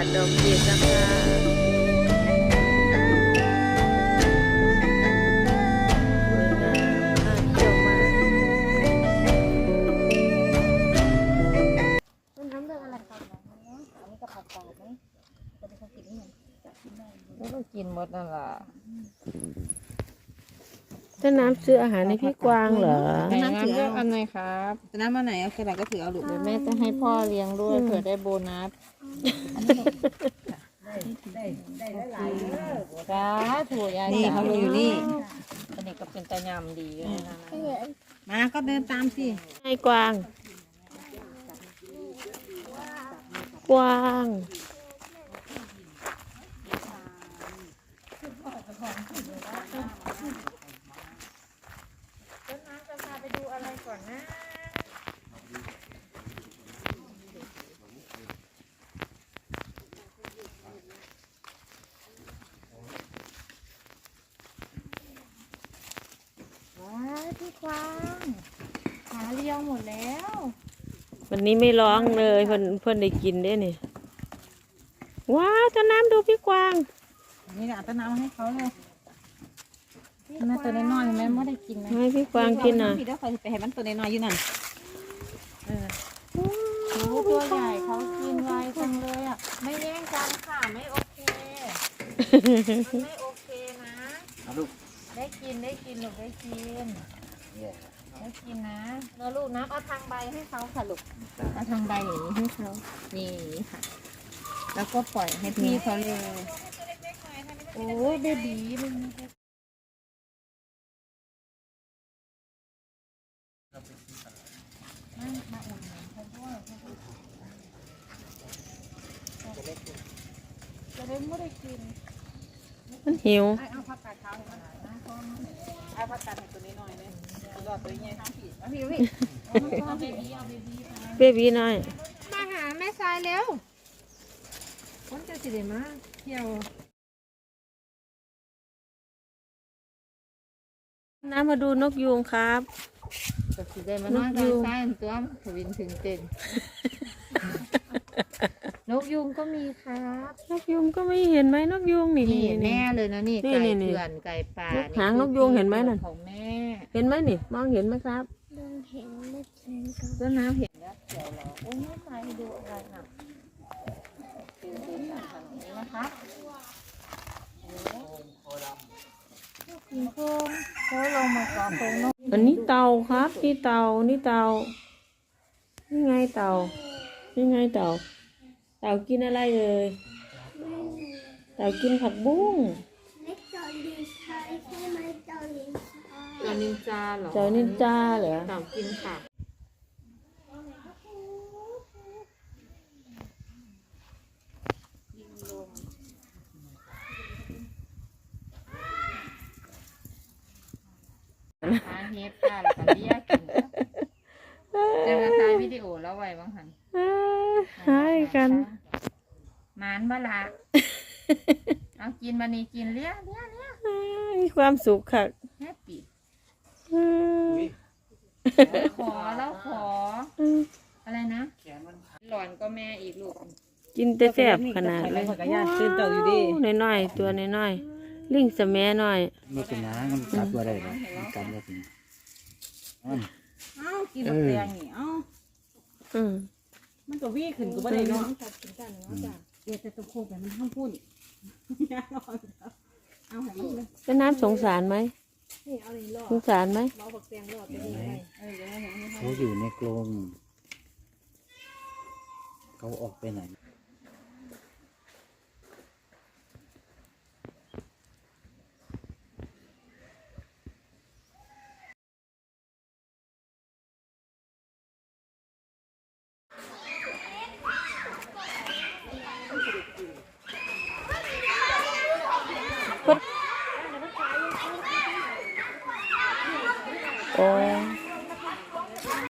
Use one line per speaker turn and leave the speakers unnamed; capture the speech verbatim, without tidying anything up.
ดดอกเห็ดนะคะสวยงามน่าเที่ยวมาก
ต้นน้ำเรื่องอะไรก่อนนะอันนี้กระเพราปลาไหมจะเป็นคนกินนี่กินได้
ก็กินหมดนั่นแหละ
ต้นน้ำซื้ออาหารในพี่กวางเหรอ
น้ำเลือกอันไหนครับ
จะน้ำมาไหนเอาแค่ไหนก็ถือเอาลูก
เดี๋ยวแม่จะให้พ่อเลี้ยงด้วยเผื่อได้โบนัส
ได้ได้หลายๆ
จ้าถั่วยาย
นี่เขาดูอยู่นี่
อันนี้ก็เป็นตะยำดีอยู่นะ
มาก็เดินตามสิ
ให้กวาง กวาง
ต้นน้ำจะพาไปดูอะไรก่อนนะว้าวพี่กวางหาเลี้ยงหมดแล้ว
วันนี้ไม่ร้องเลยเพื่อนเพื่อนได้กินได้เนี่ยว้าวต้นน้ำดูพี่กวาง
นี่นะต้นน้ำให้เขาเลยน่าตัวน้อยๆแม่ไม่ได้กินนะ
ให้พี่กวางกินอ่ะ
พี่เดี๋ยวคอยไปให้มันตัวน้อยๆอยู่นั่นเออ
โอ้ตัวใหญ่เขากินไวจังเลยอ่ะไม่แย่งกันค่ะไม่โอเคมันไม่โอเคนะได้กินได้กินลูกได้กินได้กินนะแล้วลูกนะเอาทางใบให้เขาค่ะลูกเอาทางใบอย่างนี้ให้เขานี่ค่ะ แล้วก็ปล่อยให้พี่เขาเลยโอ้ยเบบีมันจะได้ไม่ได้กิน
มันหิว
เอาผักกาดขาวให้มันหน่อยนะเอาผักกาดให้ตัวน้อยๆเลยรอตัวใหญ่ทั้งผีมาพี่พี่เอาเบบี้เอาเบบี้มา
เบบีน้อย
มาหาแม่ทรายเร็วคนจะสิเดมาเที่ยว
น้ำมาดูนกยูงครับ
จะสิได้มานอนตามซ้ายตัวถวินถึงเต็นนกยุงก็มีครับ
นกยูงก็ไม่เห็นไหมนกยูงนี่
นี่แม่เลยนะนี่
นี่
ไก่
นี่นี่
เถื่อนไก่ป่า
หางนกยูงเห็นไหมนั่น
ของแม่
เห็นไหมนี่มองเห็นไหมครับ
เดินเห็นไม่เห็นกัน
ต้นน้ำเห็นแล้วเขียวเหรอโอ้ยไม่ไปดูอะไรน่ะดูดูทางนี้นะคะกินโค้งเขาลงมาก่อนโค้งนก
อันนี้เต่าครับนี่เต่านี่เต่านี่ไงเต่านี่ไงเต่าเต่ากินอะไรเลยเต่ากินผักบุ้ง
ไม่จอลินชายใช่ไหมจอลินชาย
เต่านินจาเหรอ
เต่านินจาเหรอ
เต่ากินค่ะหาเฮ็ดค่ะแล้วก็เรียกกินเดี๋ยวมาถ่ายวิดีโอแล้วไว้บ้างหัน
เอ้ยหายกัน
หมานบละเอากินมานี่กินเลี้ยเลี้ยเลี้ย
เอ้ยมีความสุขค่ะ
แฮปปี้
เอ้ย
ขอแล้วขอ
เอ้ย
อะไรนะหลอนก็แม่อีกลูก
กินแต่แซ่บขนาดเลย
ผักกาดย่างตื่นเต่าอยู่ดิ
น้อยๆตัวน้อยๆลิงสะแมัน้อย
ไม่เป็นน้ำมันกัดตัวได้เลยมันกัดได้ถึงอัน
เอ้ากินแบบแดงนี่เอ้า
อืม
มันก็วิ่งขึ้นก็ไม่ได้เนาะเดี๋ยวจะตะโคกแบบมันห้ามพูดเอาให้มันเลย
แล้วน้ำสงสารไหมสงสารไหม
เห็นไหมเขาอยู่ในกรงเขาออกไปไหน